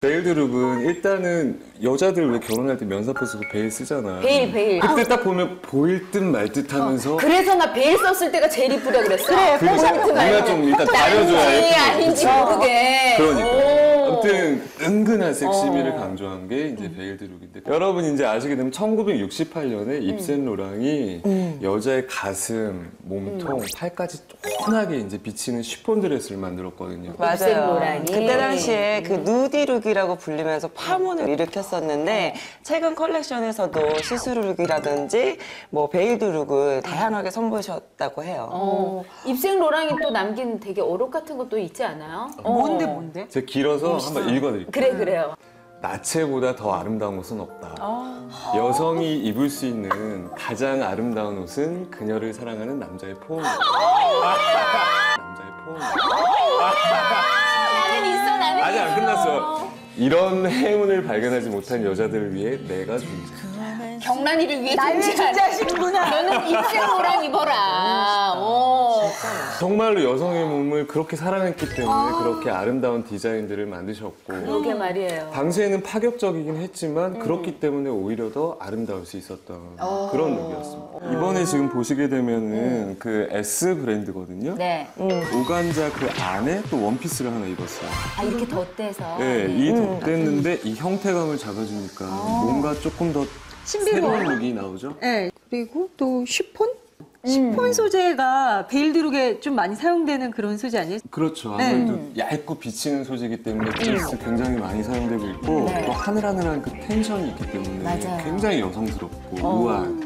베일드 룩은 일단은 여자들 왜 결혼할 때 면사포 쓰고 베일 쓰잖아. 베일. 그때 딱 보면 보일 듯 말 듯 하면서 그래서 나 베일 썼을 때가 제일 이쁘다 그랬어. 그래, 우리가 좀 일단 가려줘야 예쁘거든. 아닌지 모르게. 그러니까. 아무튼 은근한 섹시미를 강조한 게 이제 베일드 룩인데 여러분 이제 아시게 되면 1968년에 입센 로랑이 여자의 가슴, 몸통, 팔까지 쫀하게 이제 비치는 쉬폰 드레스를 만들었거든요. 맞아요. 로랑이. 그때 당시에 그 누디룩이라고 불리면서 파문을 일으켰었는데 최근 컬렉션에서도 시스루룩이라든지 뭐 베일드 룩을 다양하게 선보이셨다고 해요. 입생 로랑이 또 남긴 되게 어록 같은 것도 있지 않아요? 뭔데? 제가 길어서 한번 읽어드릴게요. 그래요. 나체보다 더 아름다운 옷은 없다. 여성이 입을 수 있는 가장 아름다운 옷은 그녀를 사랑하는 남자의 포옹이다. 남자의 포옹이다. 나는 있어, 나는 아직 안 끝났어. 이런 행운을 발견하지 못한 여자들을 위해 내가 존재. 경란이를 위해 나를 존재하시는구나. 너는 입생 로랑 입어라. 정말로 여성의 몸을 그렇게 사랑했기 때문에 그렇게 아름다운 디자인들을 만드셨고 그러게 말이에요. 당시에는 파격적이긴 했지만 그렇기 때문에 오히려 더 아름다울 수 있었던 그런 룩이었습니다. 이번에 지금 보시게 되면은 그 S 브랜드거든요. 네. 오간자 그 안에 또 원피스를 하나 입었어요. 아, 이렇게 덧대서. 네, 이 덧댔는데 이 형태감을 잡아주니까 뭔가 조금 더 새로운 룩이 나오죠. 네. 그리고 또 쉬폰? 쉬폰 소재가 베일드룩에 좀 많이 사용되는 그런 소재 아니에요? 그렇죠. 아무래도 얇고 비치는 소재이기 때문에 드레스 굉장히 많이 사용되고 있고 또 하늘하늘한 그 텐션이 있기 때문에 맞아요. 굉장히 여성스럽고 우아한